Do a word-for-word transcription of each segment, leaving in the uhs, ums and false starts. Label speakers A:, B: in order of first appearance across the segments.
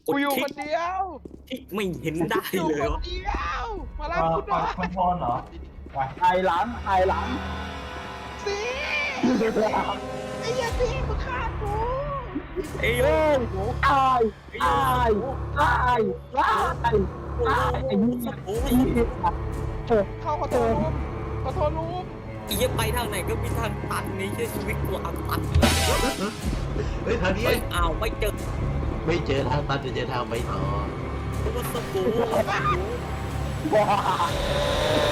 A: กูอยู่คนเดียว
B: ที่ไม่เห็นได้
A: อยู่
B: เลย
A: คน
B: วะ
A: เดียวมารับ
C: เอ่อ
A: กูห
C: ปล่
A: น่
C: อ
A: อย ย
C: คอนโทรลเหรอไป
D: ไอหลังไอหลัง
A: สิไอ้เหี้ยสิมึงฆ่ากู
B: เอ้ย
D: เอ้ยตายตายตายตายตายไอ้นี่
B: โอ้
D: ไอ้
B: ย
D: นี่
A: เข้าขอโทษลุงขอโทษลุง
B: ไอ้เหี้ยไปทางไหนก็มีทางตันในเชื่อชีวิตกูอับตัน
E: เฮ้ยทางนี้
B: เฮ้ยอ้าวไม่เจอ
E: ไม่เจอทางตันจะเจอทางไปต่อ
B: กูว่าสกู
D: ว้า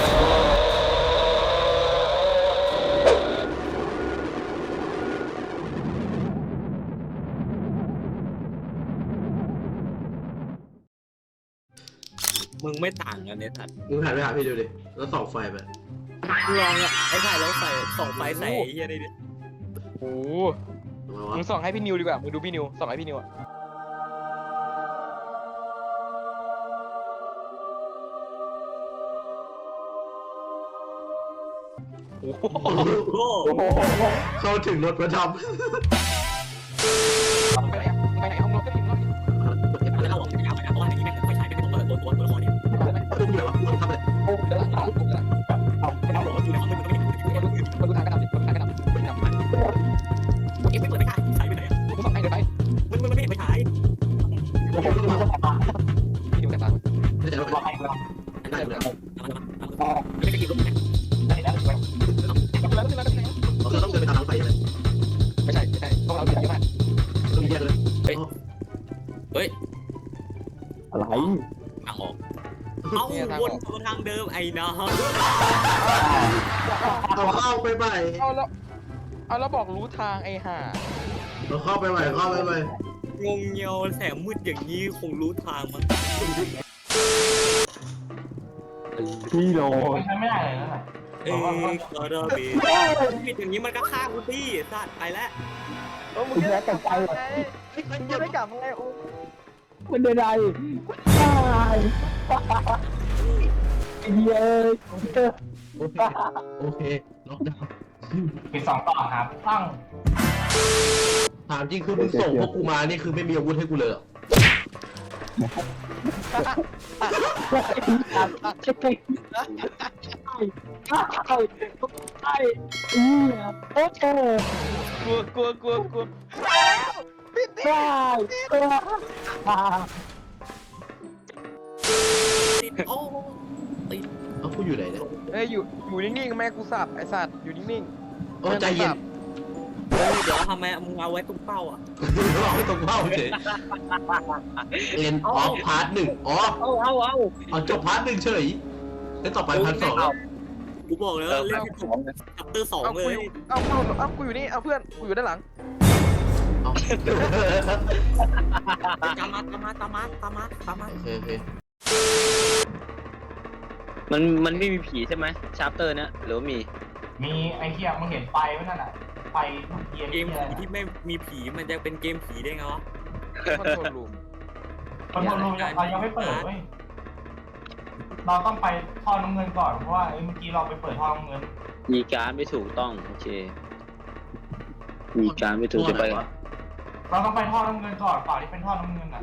B: มึงไม่ต่างกันเนี่ยสัตว์
E: มึงหันไปหาพี่ดูดิแล้วส่องไฟไป
B: ลองอ่ะไอ้ถ่ายแล้วใส่ส่องไฟใส่ไอ้เหี้ยได้ดิ
A: โอ้
E: ทำไมวะ
A: มึงส่องให้พี่นิวดีกว่ามึงดูพี่นิวส่องให้พี่นิวอะโอ้โห
B: โอ้
D: โอ้โห
E: เข้าถึงรถมาทำ
A: มึงไปไหนอะมึงไปไหนห้องรถก็พิมพ์รถดิ
B: ไม่เอาหรอกไม่เอาไม่เอาเพราะว่าอย่างนี้แม่งไฟฉายแม่งเป็นตัวตัวตัวตัวละครเนี่ย
E: เรื่องเดียวอะมึงทำเลย
A: โอ้เดี๋ยวหลังหลังหลัง
B: เอาหรอกอยู่ในห้องมึงก็ไม่เห็น
A: มาดูมาดูทางกระดาษดิมาดูทางกระดาษดิมาดูทางกระดาษ
B: เอ็มไม่เปิดไม่ได้ฉายไปไหนอ่ะ
A: กูส่องให้เดินไป
B: มันมันไม่เห็นไฟฉาย
A: พี่นิวแต่ตา
E: ไม่ใช่รถ
D: ว่าให้เรา
B: อันนั้นเลยไม่ได้กินรถ
D: ได้แล้ว
A: แล้วก็แล้วก็แล้ว
E: เราต้องเดินไปตามทางไฟเลย
A: ไม่ใช่ไม่ใช่พวกเราเยอะมาก
E: ต้องมีแยกเลย
B: เฮ้ย
D: อะไร
B: ทางออกเอาวนมาทางเดิมไอ้น้อง
E: เอาเข้าไปใหม่
A: เอาแล้วเอาแล้วบอกรู้ทางไอ้ห่า
E: เราเข้าไปใหม่เข้าไปใหม่
B: งงเงียวแสงมืดอย่างนี้คงรู้ทางมั้ง
D: พี่โล
C: ไม่ใช้ไม่ได้เลยนั่นแหละ
B: เอ้ยก็ได้บีผิดอย่างนี้มันก็ฆ่ากูที่สัตว์ไปแล้ว
A: เออมึงจะได้กลับไงมึงจะได้กลับไงโอ้
D: มันเป็นไรตายไอ้เหี้ย
E: โอเคโอเคล็อกดาวน์
C: ปิดสองต่อครับตั้ง
E: ถามจริงคือมึงส่งพวกกูมานี่คือไม่มีอาวุธให้กูเลยเหรอ
D: ไอ้ไอ้อีโอ้โห
A: กลัวกลัวกลัวกลัว
D: ตายตาย
B: ติดโอ้ติด
E: เอ้ากูอยู่ไหนเนี่ย
A: เอ้ยอยู่อยู่นิ่งๆแม่กูสับไอ้สัตว์อยู่นิ่ง
E: โอ้ใจเย็น
B: เฮ้ยเดี๋ยวทำไมมึงเอาไว้ตรงเป้าอ่ะ
E: เราไม่ต้องเล่าเฉยเอ็นออฟพาร์ทหนึ่งอ๋อ
B: เอาเอาเอา
E: เอาจบพาร์ทหนึ่งเฉยแล้วต่อไปพาร์ทสอง
B: กูบอกเลยว่าเล่นชัปเตอร์สอง
A: ๆเอา
B: เล
A: กู
B: ย
A: อยู่เอากูเอากูอยู่นี่เอาเพื่อนกูอยู่ด้านหลัง
E: เอา
B: ตามมาตามมาตามมาตามมาตามมา
E: โอเคโอเค
F: มันมันไม่มีผีใช่ไหมชาร์ปเตอร์เนี่ยหรือว่ามี
C: มีไอ้เหี้ยมึงเห็นไฟไหมนั่นน่ะไฟเทียน
B: เก
C: เทีย
B: ม
C: น
B: ผีที่ไม่มีผีมันจะเป็นเกมผีได้ไงวะ
A: คอนโทรลรูม
C: คอนโทรลรูมเรายังไม่เปิดเว้ยเราต้องไปท่อน้ำเงินก่อนเพราะว่าเมื่อกี้เราไปเปิดท่อน้ำเงิน
F: มีการไม่ถูกต้องโอเค มีการไม่ถูกจะไป
E: วะ
C: เราต้องไปท่อน้ำเงินก่อนก่อนที่เป็นท่อน้ำเงินอ่ะ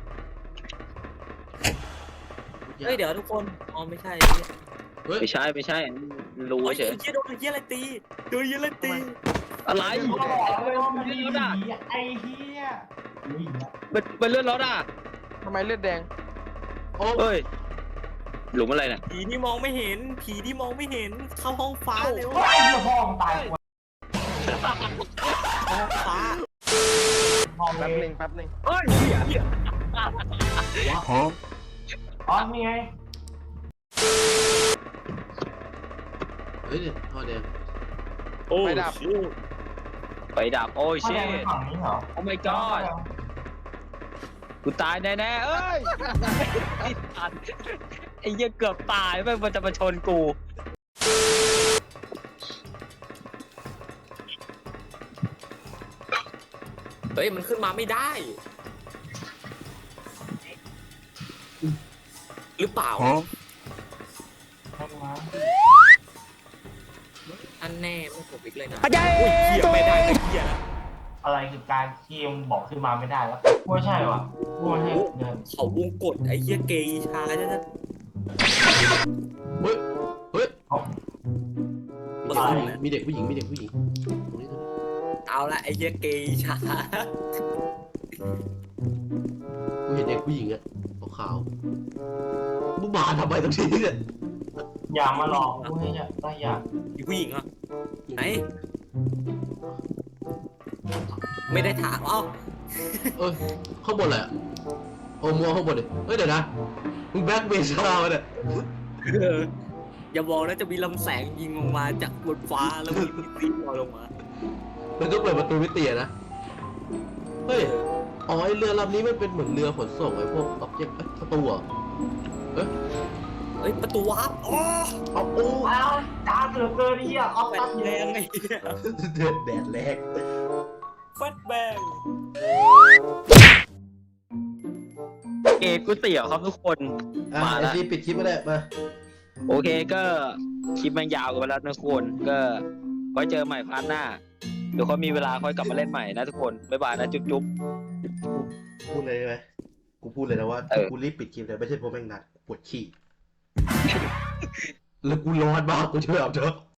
B: เฮ้ยเดี๋ยวทุกคนอ๋อไม่ใช่
E: เฮ้ย
F: ไม่ใช่ไม่ใช่รู้
B: โอ้ย
F: เฉย
B: เฮียโดนเฮียอะไรตีโดนเฮียอะไรตี
F: อะไร
C: โอ้ยมันมีผีไอ้เหี้ยอุ้ย
F: เป็นเป็นเลือดรถอ่ะ
A: ทำไมเลือดแดง
E: โอ้
F: เอ้ยหลุมอะไรเนี่ย
B: ผีที่มองไม่เห็น ผีที่มองไม่เห็นเข้าห้องฟ้าเร็ว
C: ไอ้เหี้ยพ่อมึงตายกว่า
B: ห้องฟ้า
C: พ่อ
A: แป๊บ
C: เล
A: หนึ
C: ย
A: งแป๊บหนึง
F: เฮ้ยเหี้ยเหี้ย
C: อ๋อนี่ไง
E: เฮ้ยเนี่ยท่อแดง
B: โอ้
A: ไฟดับ
B: ชิว
F: ไปดับโอ้ย
C: ท่อ
F: เช
C: แดงเป็นฝั่งนี้เหรอ
F: โอ้ my god กูตายแน่ๆเอ้ยไอ้สัตว์ไอ้เหี้ยเกือบตายแม่งมันจะมาชนกู
B: เฮ้ยมันขึ้นมาไม่ได้ หรือเปล่าอันแน่ไม่ผมอีกเลยนะโอ้ยเฮียไม่ได้ไอ้เฮียแล้ว
C: อะไรคือการเคียมบอกขึ้นมาไม่ได้แล้วไม่ใช่ว่ะกูพูดให้เดิน
B: เขาวงกดไอ้เหี้ยเกย์ชาเนี่ยนะ
E: เฮ้ยเฮ้ย
C: เอา
E: มีเด็กผู้หญิงมีเด็กผู้หญิงตรงนี้ตรงนี้
B: เอาละไอ้เหี้ยเกย์ชา
E: กูเห็นเด็กผู้หญิงอะขาวๆมึงมาทำไมตรงนี้เนี่ย
C: อย่ามาหลอกพูดให้อย่าได้อย่า
B: มีผู้หญิงอ่ะไหนไม่ได้ถามเอ้า
E: เอ้ยข้างบนอะไรอะโอ้มัวข้างบนดิเฮ้ยเดี๋ยวนะมึงแบ็คเบสเราเนี่ย
B: เอออย่าบอกนะจะมีลำแสงยิงลงมาจากบนฟ้าแล้วมีปีนลอยลงมา
E: มันก็เปิดประตูมิติอะนะเฮ้ยอ๋อไอเรือลำนี้มันเป็นเหมือนเรือขนส่งไอ้พวกอ็อบเจกต์ประตูอะเอ้ย
B: เฮ้ยประตูวาร์ปอ๋อ
E: เอาโอ้
C: อ้าวจ้าเหลือเกินเฮียออฟ
B: แฟ
C: ตั
B: ด
C: ด
B: แบ
C: แรง
B: งไอ้
E: เดือดแดดแรง
B: แฟดแบง
F: เกกูเสียวครับทุกคน
E: อ่ะ
F: มา
E: ไอ
F: แล้ว
E: ซีปิดคลิปมาได้มา
F: โอเคก็คลิปมันยาวกันไปแล้วนะทุกคนก็ไว้เจอใหม่พาร์ทหน้าเดี๋ยวเขามีเวลาค่อยกลับมาเล่นใหม่นะทุกคนบ๊ายบายนะจุ๊บจุ๊บ
E: พูดเลยได้ไหมกูพูดเลยนะว่า
F: เออ
E: กูรีบปิดคลิปเลยไม่ใช่เพราะแม่งหนักปวดขี้แล้วกูร้อนมากกูจะไปอาบน้ำ